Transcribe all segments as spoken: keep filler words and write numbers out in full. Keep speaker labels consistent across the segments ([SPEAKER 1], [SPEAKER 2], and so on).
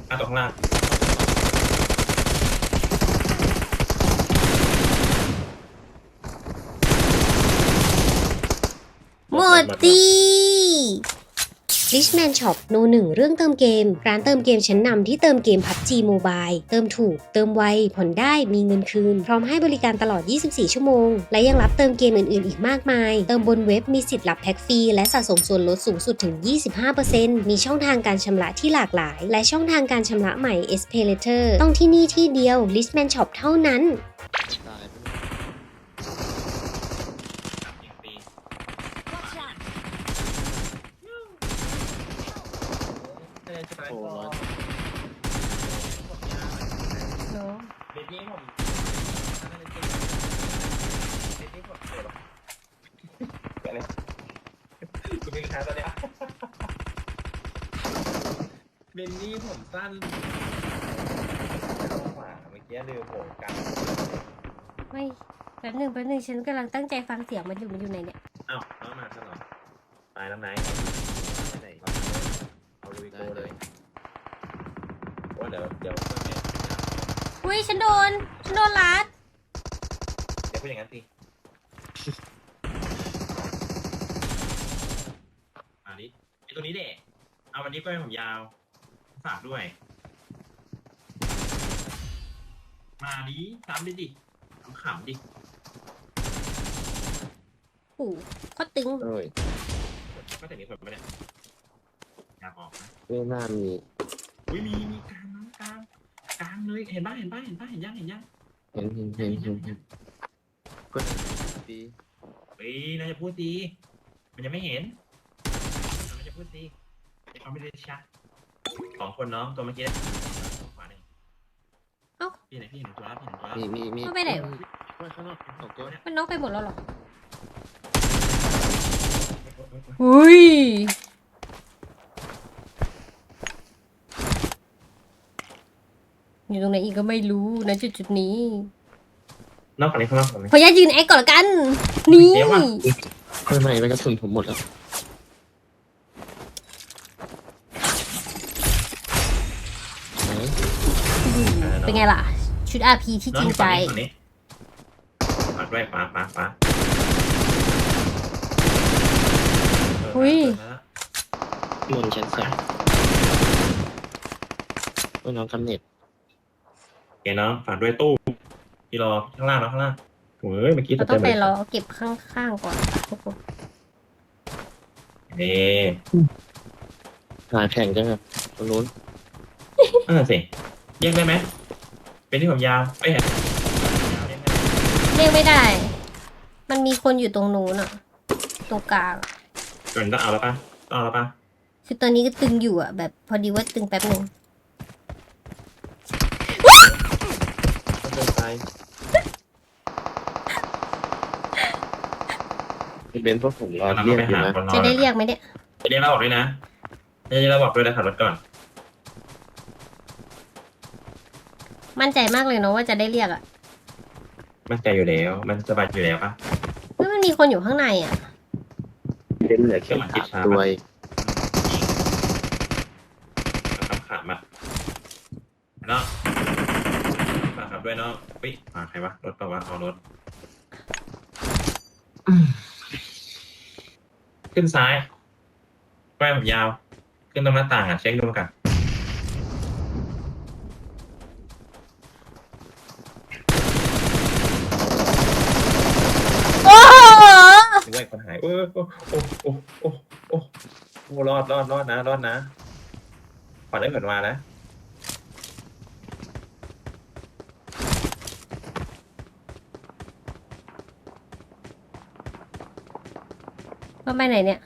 [SPEAKER 1] อ่ะตรงข้างล่าง
[SPEAKER 2] หมดดี Richman Shop โนหนึ่งเรื่องเติมเกม ร้านเติมเกมชั้นนำที่เติมเกม พับจี Mobile เติมถูก เติมไว ผ่อนได้ มีเงินคืน พร้อมให้บริการตลอด ยี่สิบสี่ ชั่วโมง และยังรับเติมเกมอื่นๆ อีกมากมาย เติมบนเว็บมีสิทธิ์รับแพ็กฟรี และสะสมส่วนลดสูงสุดถึง ยี่สิบห้าเปอร์เซ็นต์ มีช่องทางการชำระที่หลากหลาย และช่องทางการชำระใหม่ SPayLater ต้องที่นี่ที่เดียว Richman Shop เท่านั้น
[SPEAKER 1] โอ้ยเด็กนี้ผมเด็กนี้ผมเดี๋ยวอะไรคุณเป็นใครตอนนี้เบนนี่ผมสั้นขวาเมื่อกี้ลืมโผล่กัน
[SPEAKER 2] ไม่แป๊บหนึ่งแป๊บหนึ่งฉันกำลังตั้งใจฟังเสียงมันอยู่มันอยู่ไหนเนี่ย
[SPEAKER 1] อ้าวน้องมาซะหน่อยตายแล้วไหนไหนเอาลุยโกเลยว่าเดี๋ยวเดี๋ยวเพื่อนเนี่ย
[SPEAKER 2] อุ้ยฉันโดนฉันโดนลัด
[SPEAKER 1] เดี๋ยวพูดอย่างนั้นสิอันนี้ไอตัวนี้เด็กเอาวันนี้ก็ให้ผมยาวฝากด้วยมาดิซ้ำดิดิขำดิ
[SPEAKER 2] โอ้ก็ตึง
[SPEAKER 3] เอ้ย
[SPEAKER 1] ก็แต่มีคนไม่ได้อยากออกนะ
[SPEAKER 3] ไม่น่ามี
[SPEAKER 1] อุ้ยมีมีกลางน้องกลางกลางเลยเห็นบ้าเห็นบ้าเห็นบ้าเห็นยังเห็นยัง
[SPEAKER 3] เห็นเห็นเห็นเห็นเห็นก็ดี
[SPEAKER 1] เฮ้ยน่าจะพูดดีมันยังไม่เห็นมันจะพูดดีเขาไม่ได้ชักสองคนน้องตัวเมื่อกี้ขวาหนึ่ง
[SPEAKER 2] เอ้า
[SPEAKER 1] พี่ไหนพี่หนึ่งตัวแล้วพี่หนึ่งตัวแล้ว
[SPEAKER 3] มีมีมี
[SPEAKER 2] ไปไหน
[SPEAKER 3] ไปข้างนอกสองตัว
[SPEAKER 2] มันน็อกไปหมดแล้วหรออุ้ยอยู่ตรงไหนอีกก็ไม่รู้นะจุดจุดนี้
[SPEAKER 1] นอกจากนี้ข้างนอกผม
[SPEAKER 2] ขออนุญาตยืนแอคก่อนละกันนี่
[SPEAKER 3] ข้างในไปกระสุนผมหมดแล้ว
[SPEAKER 2] เป็นไงล่ะชุด อาร์ พี ที่จริงใจ
[SPEAKER 1] ปัดด้วยขวาขวาขวา
[SPEAKER 2] อุ้ย
[SPEAKER 3] บนชั้นสองก็น้องกำเนิด
[SPEAKER 1] เก๋น้องฝากด้วยตู้ที่รอข้างล่างแล้วข้างล่างเฮ้ยเมื่อกี้
[SPEAKER 2] เราต้องไปรอเก็บข้างๆก่อนทุกคน
[SPEAKER 1] เอ๊ะ
[SPEAKER 3] หาแข่งจังครับตรงนู้น
[SPEAKER 1] อ่าสิแยกได้ไหมเป็นที่ผมยาวเอ้ย
[SPEAKER 2] เรียกไม่ได้ มันมีคนอยู่ตรงนู้นอ่ะตรงกลาง
[SPEAKER 1] เกินต้องเอาแล้วป่ะต้องเอาแล้วป่ะ
[SPEAKER 2] คือตอนนี้ก็ตึงอยู่อ่ะแบบพอดีว่าตึงแป๊บนึง
[SPEAKER 1] ต้องเดินไป
[SPEAKER 3] เป็นพวกผมรอเรียกอยู่นะ
[SPEAKER 2] จะได้เรียกไหมเนี่ย
[SPEAKER 1] จะเรียกเราบอกด้วยนะจะเรียกเราบอกด้วยนะขับรถก่อน
[SPEAKER 2] มั่นใจมากเลยเนาะว่าจะได้เรียกอ่ะ
[SPEAKER 1] มั่นใจอยู่แล้วมันสบายอยู่แล้วป่ะ
[SPEAKER 2] เฮ้ยมันมีคนอยู่ข้างในอ่ะ
[SPEAKER 3] เป็นเหลือแค่สามตัว
[SPEAKER 1] ขำขำอ่ะเนาะฝากขับด้วยเนาะปิ๊ฝากใครวะรถป่าวะเอารถขึ้นซ้ายแก้ผมยาวขึ้นตรงหน้าต่างอ่ะเช็คดูกันด้วยคนหายโอ้โอ้โอ้โอ้โอ้โอ้โอ้รอดรอดรอดนะรอดนะขวัญได้เกิดมานะ
[SPEAKER 2] ก็ไปไหนเนี่ย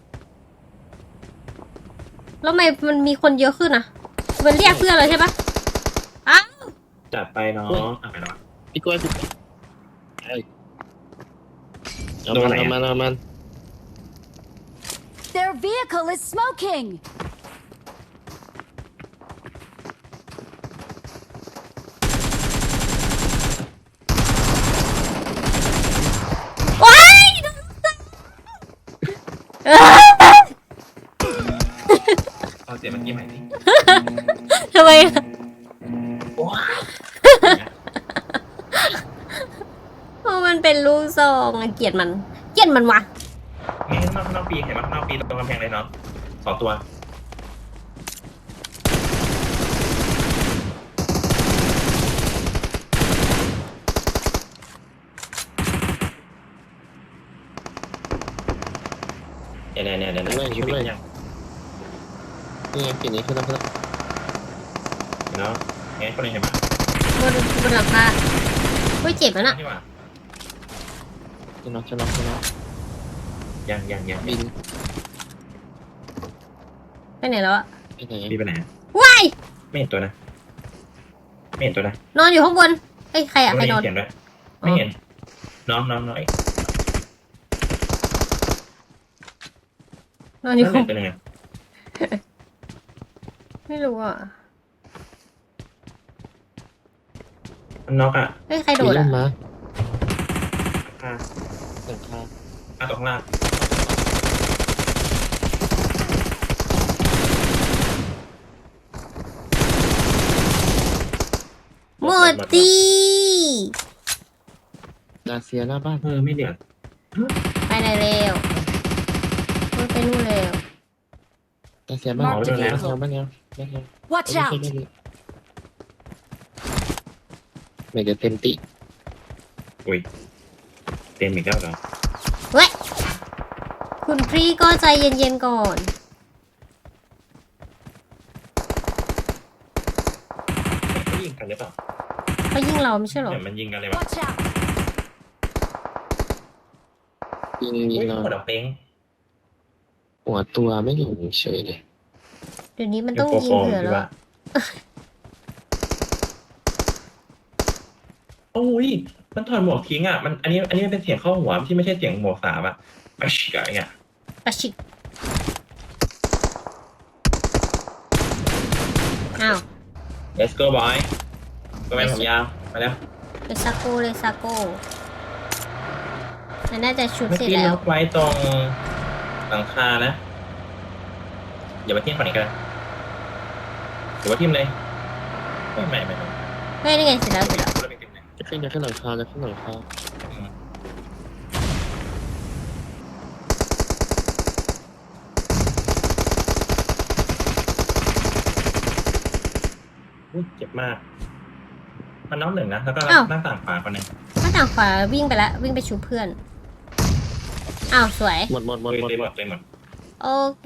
[SPEAKER 2] แล้วทำไมมันมีคนเยอะขึ้นอ่ะมันเรียกเพื่อนเลยใช่ปะอ้าว
[SPEAKER 1] จัดไปน้องอ่ะไปน้อง
[SPEAKER 3] พี่กล้วยพี่เอามันเอามันเอามัน
[SPEAKER 4] Their vehicle is smoking.
[SPEAKER 2] ว้าย
[SPEAKER 1] เอาเสียงเมื่อกี้ใหม่สิ
[SPEAKER 2] ทำไม
[SPEAKER 1] โอ้ย
[SPEAKER 2] เพราะมันเป็นลูกซองอะเกลียดมัน เกลียดมันวะ
[SPEAKER 1] นี่ข้างนอกข้างนอกปีเห็นไหมข้างนอกปีตรงกำแพงเลยเนาะสองตัวเนี่ยเนี่ยเนี่ยเนี่ยช่วยยัง
[SPEAKER 3] นี่ไงปีนี้ขึ้นแล้วขึ้นแล้ว
[SPEAKER 1] เนาะงั้นคนนี้เห็นไหม
[SPEAKER 2] บนบนหลังคาเฮ้ยเจ็บแล้วน่ะ
[SPEAKER 1] นี่ว่า
[SPEAKER 3] ขึ้นแล้วขึ้นแล้วขึ้นแล้ว
[SPEAKER 1] ยังยังยัง
[SPEAKER 3] บิน
[SPEAKER 2] ไปไหนแล้วอะ
[SPEAKER 3] ไปไหน
[SPEAKER 1] ปีไปไหน
[SPEAKER 2] ว้าย
[SPEAKER 1] ไม่เห็นตัวนะไม่เห็นตัวนะ
[SPEAKER 2] นอนอยู่ข้างบนเอ้ยใครอะใคร
[SPEAKER 1] ไม่
[SPEAKER 2] นอน
[SPEAKER 1] เห็นด้วยไม่เห็นน้องน้องน้องไอ้
[SPEAKER 2] นอนอยู่
[SPEAKER 1] นั่น
[SPEAKER 2] ข้าง
[SPEAKER 1] เป็นยังไง
[SPEAKER 2] ไม่รู้อ่ะ
[SPEAKER 1] มันน็อกอ่ะ
[SPEAKER 2] เฮ้ยใครโด
[SPEAKER 3] บิน
[SPEAKER 2] ด
[SPEAKER 3] ล
[SPEAKER 2] อ่ะ
[SPEAKER 3] งมา
[SPEAKER 1] อ่า
[SPEAKER 3] หลังคา
[SPEAKER 1] อ่าตรงข้างล่าง
[SPEAKER 2] หมดดี
[SPEAKER 3] ดาเซียหน้าบ้าน
[SPEAKER 1] เออไม่เดือด
[SPEAKER 2] ไปไหนเร็วเฮ้ยไปนู่นเร็ว
[SPEAKER 3] ดาเซียบ้านบ้านแนวบ้านแนวบ้านแนว
[SPEAKER 4] Watch
[SPEAKER 3] ไม่
[SPEAKER 4] out!
[SPEAKER 3] ใช่ไม่รู้ไม่จะเต็มติ
[SPEAKER 1] อุ้ยเต็มอีกแล้วเหรอ
[SPEAKER 2] เว้ยคุณพี่ก็ใจเย็นๆก่อน
[SPEAKER 1] เขายิงกันหรือเปล่า
[SPEAKER 2] เขายิงเราไม่ใช่เหรอ
[SPEAKER 1] เนี่ยมันยิงกันเลยวะ
[SPEAKER 4] Watch out!
[SPEAKER 3] ยิงยิ
[SPEAKER 1] อุ้
[SPEAKER 3] ง
[SPEAKER 1] ย
[SPEAKER 3] เรา
[SPEAKER 1] หัวดอกเป้ง
[SPEAKER 3] หัวตัวไม่อยู่เฉยเลย
[SPEAKER 2] เดี๋ยวนี้มันต้องยิงเผื่อแล้วอะ
[SPEAKER 1] โอ้ยมันถอดหมวกทิ้งอ่ะมันอันนี้อันนี้มันเป็นเสียงเข้าหัวที่ไม่ใช่เสียงหมวกสามอ่ะมาชิกอะไรเงี้ย
[SPEAKER 2] ปะชิกอ้าว
[SPEAKER 1] let's go boy ตัวแมนผมยาวมาแล้ว
[SPEAKER 2] เลซาโกเลซาโกมันน่าจะชุด
[SPEAKER 1] เมื่อ
[SPEAKER 2] เสร็จ
[SPEAKER 1] กี้
[SPEAKER 2] แล้
[SPEAKER 1] น็
[SPEAKER 2] ว
[SPEAKER 1] อกไว้ตรงหลังคานะอย่ามาทิ้งฝั่งนี้กันหรือว่าทิ้งเลยไม่ไม่ไม่ไม่
[SPEAKER 2] เฮ้ยนี่ไงเสร็จแล้วเสร็จแล้ว
[SPEAKER 3] จะขึ้นจะขึ้นหลังคาจะขึ้นหลังคา
[SPEAKER 1] อุ๊ยเจ็บมาก มันน้องหนึ่งนะ แล้วก็
[SPEAKER 2] อ้าว
[SPEAKER 1] หน้าต่างขวาคนหนึ่ง
[SPEAKER 2] หน้าต่างขวาวิ่งไปแล้ววิ่งไปชูเพื่อน อ้าวสวย
[SPEAKER 3] หมดหมดหมด
[SPEAKER 1] เลย
[SPEAKER 3] หมด
[SPEAKER 1] เลยหมดเลยหมด
[SPEAKER 2] โอเค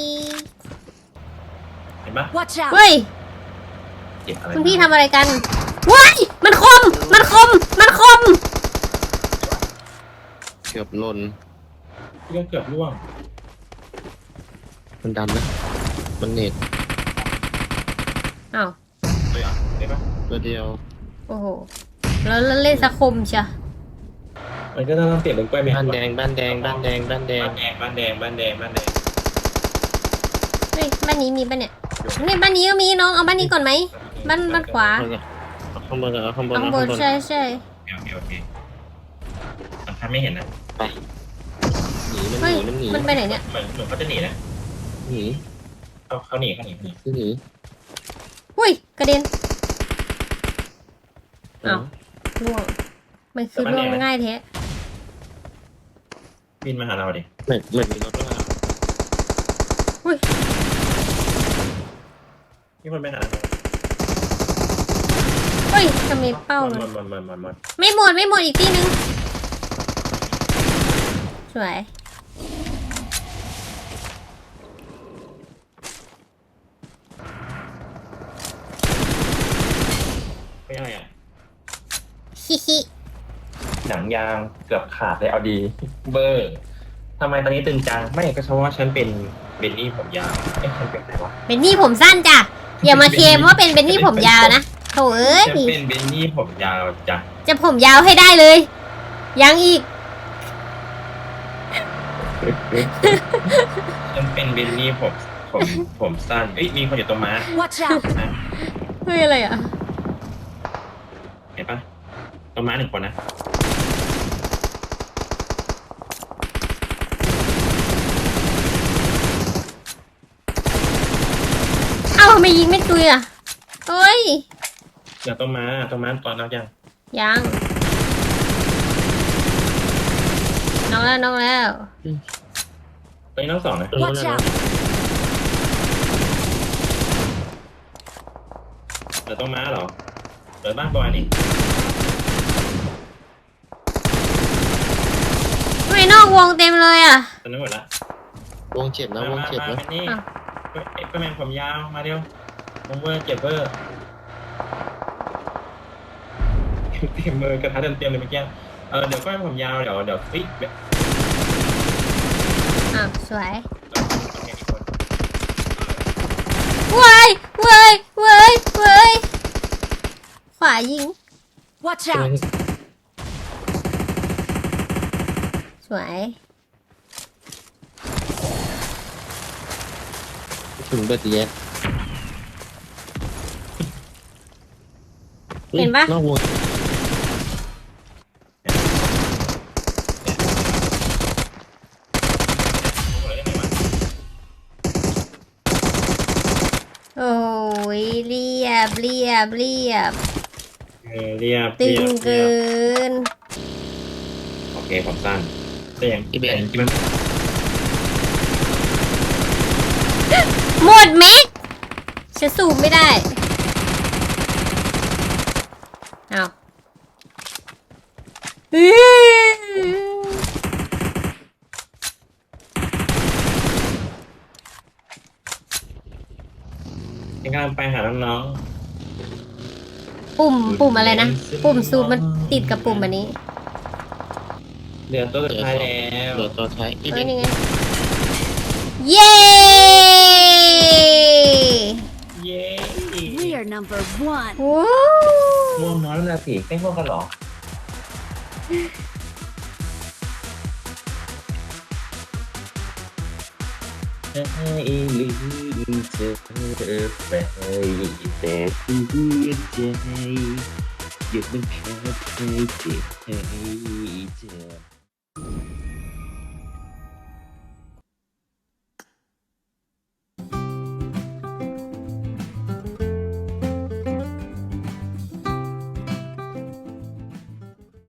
[SPEAKER 1] เห็นปะ
[SPEAKER 4] Watch out!
[SPEAKER 2] เฮ้ย
[SPEAKER 1] เจ็บอะไร
[SPEAKER 2] คุณพี่ทำอะไรกันว้ายมันคม มันคม มันคม
[SPEAKER 3] เกือบหล่น
[SPEAKER 1] พี่ก็เกือบร่วง
[SPEAKER 3] มันดันนะมันเน็ต
[SPEAKER 2] อ้าว
[SPEAKER 1] เลยเหรอ่ะเลยปะ
[SPEAKER 3] ตัวเดียว
[SPEAKER 2] โอ้โห แล้วแล้วเล่นสะคมเชีย
[SPEAKER 1] มันก็ต้องเปลี่ยนเป็นกล้วยแมว
[SPEAKER 3] บ้านแดงบ้านแดงบ้านแดงบ้านแดง
[SPEAKER 1] บ้านแดงบ้านแดงบ้านแดงบ้านแดง
[SPEAKER 2] เฮ้ยบ้านนี้มีป่ะเนี่ยนี่บ้านนี้ก็มีน้องเอาบ้านนี้ก่อนไหม บ้านบ้านขวา
[SPEAKER 3] เอาข้างบนเอาข้างบน
[SPEAKER 2] ข้าง
[SPEAKER 3] เอา
[SPEAKER 2] บ
[SPEAKER 3] ข้าน งบน
[SPEAKER 2] ใช่ใช่
[SPEAKER 1] โอเคโอเคมันทำไม่เห็นนะ
[SPEAKER 3] หนีมันห
[SPEAKER 2] เฮ้ย
[SPEAKER 3] นีมันหนี
[SPEAKER 2] มันไปไหนเนี่ย
[SPEAKER 1] เหมือนเหมือนเขาจะหนีนะ
[SPEAKER 3] หนี
[SPEAKER 1] เขาเขาหนีเขาหนีเขาหนี
[SPEAKER 3] คือหนี
[SPEAKER 2] อุ้ยกระเด็น
[SPEAKER 3] เอ้า
[SPEAKER 2] ล่วง มันคือล่วงง่ายแท้
[SPEAKER 1] บินมาหาเราดิ
[SPEAKER 3] เหมือนเหมือนมีรถว่า
[SPEAKER 2] อุ้ย
[SPEAKER 1] มีคนไปหาเรา
[SPEAKER 2] เฮ้ยทำไมเป้า
[SPEAKER 1] หม
[SPEAKER 2] มัน
[SPEAKER 1] ดหมดหมดหมดหมด
[SPEAKER 2] ไม่หมดไม่หมดอีกที่นึง สวย
[SPEAKER 1] ไม่อะไรอ่ะ
[SPEAKER 2] ฮิฮิ
[SPEAKER 1] หนังยางเกือบขาดเลยเอาดี เบอร์ทำไมตอนนี้ตึงจังไม่ก็เพราะว่าฉันเป็นเบนนี่ผมยาวเอ๊ะฉันเป็นอะไรวะ
[SPEAKER 2] เป็นหนี่ผมสั้นจ้ะ อย่ามาเคลมว่าเป็นเป็นหนี่ผมยาวนะโถเอ้ย
[SPEAKER 1] ฉันเป็นเบนนี่ผมยาวจ้ะ
[SPEAKER 2] จะผมยาวให้ได้เลย ยังอีก
[SPEAKER 1] ฉันเป็นเบนนี่ผมผมผมสั้นเอ้ยมีคนอยู่ตรงม้า
[SPEAKER 4] Watch out!
[SPEAKER 2] เฮ้ยอะไรอ่ะ
[SPEAKER 1] เห็นปะตรงม้าหนึ่งคนนะ
[SPEAKER 2] ทำไมยิงไม่ตุยอ่ะเฮ้ย
[SPEAKER 1] เดี๋ยวต้องมาต้องมาตอนนักยัง
[SPEAKER 2] ยังน้องแล้วน้องแล้ว
[SPEAKER 1] ตอนนี้น้องสองนะ
[SPEAKER 4] Watch out!
[SPEAKER 1] เดี๋ยวต้องมาเหรอเดี๋ยวบ้านบอยนี่
[SPEAKER 2] ทำไมนอกวงเต็มเลยอ่ะ
[SPEAKER 1] ตอนนี้หมดละ
[SPEAKER 3] วงเจ็บนะวงเจ็บ
[SPEAKER 1] มา
[SPEAKER 3] นะ
[SPEAKER 1] มานี่
[SPEAKER 2] อ่ะ
[SPEAKER 1] เอ็กซ์แมนผมยาวมาเร็วผมเวอร์เจ็บเวอร์เตรียมมือกระทะเต็มเต็มเลยเมื่อกี้เออเดี๋ยวก็ให้ผมยาวเดี๋ยวเดี๋ยวฟิกแบบ
[SPEAKER 2] อ่ะสวยเว้ยเว้ยเว้ยเว้ยขวายิง
[SPEAKER 4] Watch out!
[SPEAKER 2] สวย
[SPEAKER 3] ถึงเบิดแยก
[SPEAKER 2] เห็นปะ
[SPEAKER 3] นอกวง
[SPEAKER 2] โอ้ยเรียบเรียบเรียบ
[SPEAKER 1] เออเรียบ
[SPEAKER 2] ตึ
[SPEAKER 1] เรีย
[SPEAKER 2] ง
[SPEAKER 1] บ
[SPEAKER 2] เกิน
[SPEAKER 1] โอเคผมสั้นแต่ยัง
[SPEAKER 3] อีเบ
[SPEAKER 1] แต่
[SPEAKER 3] น
[SPEAKER 1] ยังกินมัน
[SPEAKER 2] หมดแม็กฉันสูบไม่ได้เอาอื้อ
[SPEAKER 1] ยังกำลังไปหาน้อง
[SPEAKER 2] ปุ่มปุ่มอะไรนะ ปุ่มซูมมันติดกับปุ่มอันนี้
[SPEAKER 1] ๆเหลือตัวสุดท้ายแล้ว
[SPEAKER 3] เหลือตัวท้ายอีเบ
[SPEAKER 2] เอ้ย
[SPEAKER 3] น
[SPEAKER 2] นี่ไง เย้
[SPEAKER 1] เย้
[SPEAKER 4] We are number one.
[SPEAKER 2] โอ้
[SPEAKER 1] ง่วงนอนแล้วนะสิไม่ง่วงกันเหรอให้ลืมเธอไปแต่หัวใจยังมันแค่เคยเจ็บให้เจ็บ